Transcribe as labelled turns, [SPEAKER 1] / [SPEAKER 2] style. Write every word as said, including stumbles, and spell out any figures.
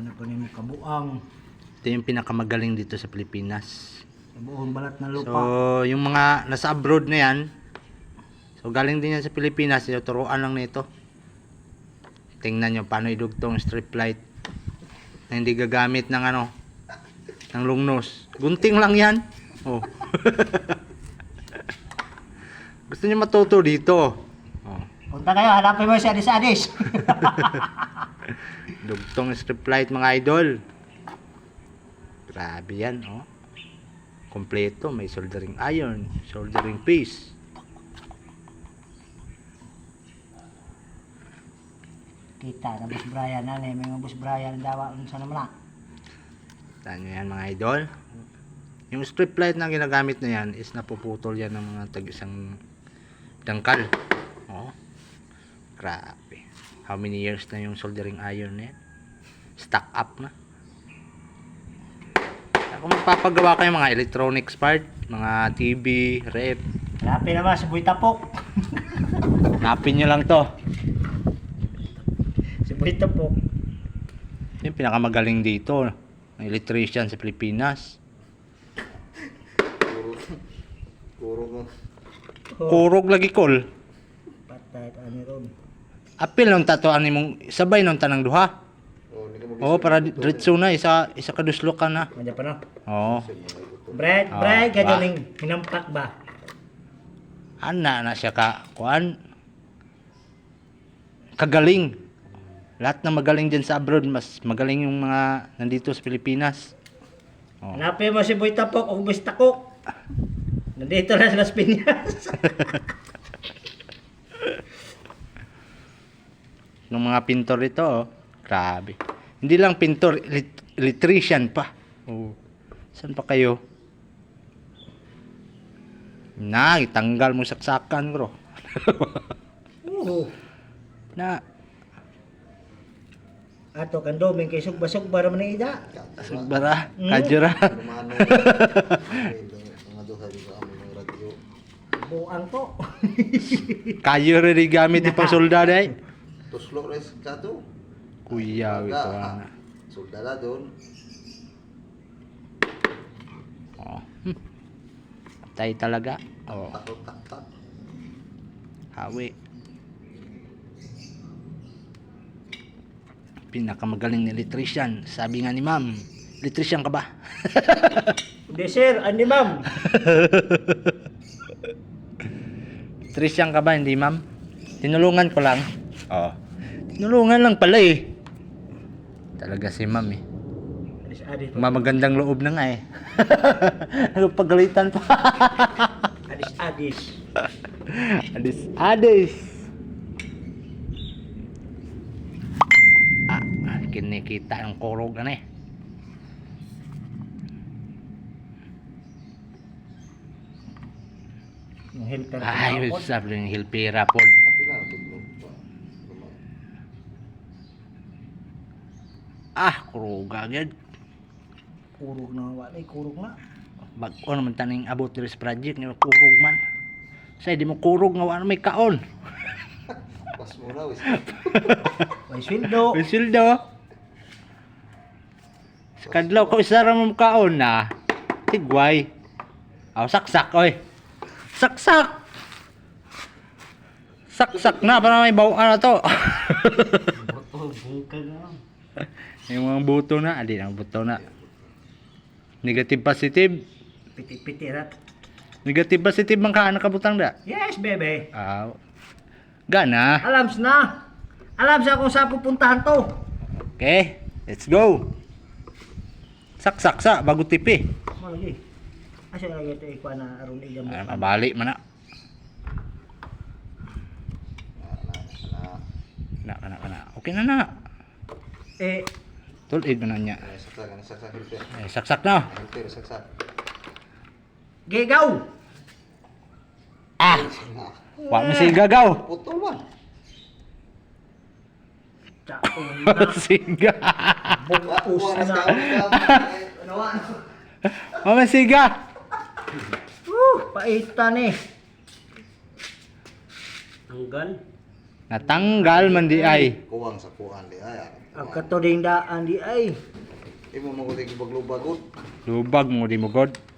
[SPEAKER 1] na po nimo kabuang
[SPEAKER 2] Ito yung pinakamagaling dito sa Pilipinas.
[SPEAKER 1] sa buong balat na lupa.
[SPEAKER 2] So, yung mga nasa abroad na yan, so galing din yan sa Pilipinas, tinuturuan lang nito. Tingnan nyo paano idugtong strip light na hindi gagamit ng ano, ng lungnos. Gunting lang yan. Oh. Gusto niyo matuto dito. Oh.
[SPEAKER 1] Punta kayo, hanapin mo si Adis Adis.
[SPEAKER 2] Dugtong strip light mga idol. Grabe yan, oh. Kompleto, may soldering iron, soldering piece.
[SPEAKER 1] Kita na Boss Brian na may mga Boss Brian dawa unsa naman na.
[SPEAKER 2] Tanya yan mga idol. Yung strip light na ginagamit na yan is napuputol yan ng mga tag isang dangkal. Oh. Grabe. How many years na yung soldering iron na yan? Stack up na. Kung magpapagawa kayo mga electronics part, mga T V, rep,
[SPEAKER 1] Hanapin naman si Boy Tapok.
[SPEAKER 2] napin nyo lang to.
[SPEAKER 1] Si Boy Tapok.
[SPEAKER 2] Yung pinakamagaling dito, ng electrician sa Pilipinas.
[SPEAKER 3] Kurog mo.
[SPEAKER 2] Kurog lagi kol.
[SPEAKER 1] Patay ani ron.
[SPEAKER 2] Apil nung tato ani mong sabay nung tanang duha.
[SPEAKER 3] Oh, hindi ka
[SPEAKER 2] Oo, para diretso na isa isa kaduslo ka na.
[SPEAKER 1] Manja pa no.
[SPEAKER 2] Oo.
[SPEAKER 1] Brad,
[SPEAKER 2] Ah,
[SPEAKER 1] Brad,
[SPEAKER 2] ba?
[SPEAKER 1] gajoling hinampak ba?
[SPEAKER 2] Ana na siya ka kuan. Kagaling. Lahat na magaling diyan sa abroad, mas magaling yung mga nandito sa Pilipinas. Oh.
[SPEAKER 1] Hanapin mo si Boy Tapok o Boy Takok. Nandito na sa Las Piñas.
[SPEAKER 2] Nung mga pintor ito, oh, grabe. Hindi lang pintor, elit- electrician pa. Oh. Saan pa kayo? Na, itanggal mo saksakan, bro.
[SPEAKER 1] Oo.
[SPEAKER 2] Na,
[SPEAKER 1] Ato kan doming kay sugba-sugba ra man ni ida.
[SPEAKER 2] sugbara,
[SPEAKER 1] Hmm?
[SPEAKER 2] kajura.
[SPEAKER 3] Lumano. Mga duha dito ang mga radyo.
[SPEAKER 1] Buang to.
[SPEAKER 2] Kayo rin gamit yung pang soldado eh.
[SPEAKER 3] Tuslok res kato.
[SPEAKER 2] Kuya, ito na.
[SPEAKER 3] Soldada doon.
[SPEAKER 2] Oh. Hmm. Patay talaga. Oh,
[SPEAKER 3] Takot tak tak.
[SPEAKER 2] hawi. Pinakamagaling na electrician. Sabi nga ni ma'am, electrician ka ba?
[SPEAKER 1] Hindi sir, andi ma'am.
[SPEAKER 2] Electrician ka ba? Hindi ma'am? Tinulungan ko lang. Oo. Tinulungan lang pala eh. Talaga si ma'am eh.
[SPEAKER 1] Adis Adis.
[SPEAKER 2] Mamagandang loob na nga eh. Ano pagalitan pa?
[SPEAKER 1] Adis Adis.
[SPEAKER 2] Adis, adis. Ah, kinikita ng kurog na eh.
[SPEAKER 1] Yung helper.
[SPEAKER 2] Ay, sabi ng hilpira po.
[SPEAKER 3] Tapi lang tublok pa.
[SPEAKER 2] Ah, kurog agad.
[SPEAKER 1] Kurog na wala, kurog na.
[SPEAKER 2] Bag-o naman taning about this project ni kurog man. Say di mo kurog nga wala may kaon.
[SPEAKER 3] Pas mo na wis.
[SPEAKER 1] May sweldo.
[SPEAKER 2] Bisildo. Sa kadlaw ko isara mo kaon na. Tigway. Aw saksak oy. Saksak. Saksak na para may bawaan na to.
[SPEAKER 1] Boto bungkag na.
[SPEAKER 2] Yung mga buto na, adi ang buto na. Negative positive.
[SPEAKER 1] Piti-piti ra.
[SPEAKER 2] Negative positive man ka anak kabutang da.
[SPEAKER 1] Yes, baby.
[SPEAKER 2] Aw. Gana.
[SPEAKER 1] Alams na. Alam sa kung saan pupuntahan to.
[SPEAKER 2] Okay, let's go. Saksak sa bago tipi.
[SPEAKER 1] Malagi. Asa lagi ito ikuha na aron iya mo.
[SPEAKER 2] Ah, mabali man na. Na na na. Okay na na.
[SPEAKER 1] Eh,
[SPEAKER 2] Tulid man na niya.
[SPEAKER 3] Ay saksak ana saksak hilper.
[SPEAKER 2] Eh, saksak na.
[SPEAKER 3] Hilper saksak.
[SPEAKER 1] gigaw.
[SPEAKER 2] Ah, wa mo si gagaw.
[SPEAKER 3] Putol man.
[SPEAKER 1] Taon.
[SPEAKER 2] Siga.
[SPEAKER 1] Bukus
[SPEAKER 3] Bukas
[SPEAKER 1] na.
[SPEAKER 3] ka. Ano ano?
[SPEAKER 2] Mama siga.
[SPEAKER 1] Uh, paitan eh. Tanggal.
[SPEAKER 2] Natanggal man di ay.
[SPEAKER 3] kuwang sa kuan di ay.
[SPEAKER 1] Ang katoding daan di ay.
[SPEAKER 3] Imo mo kulig baglubagot.
[SPEAKER 2] Lubag mo di mo god.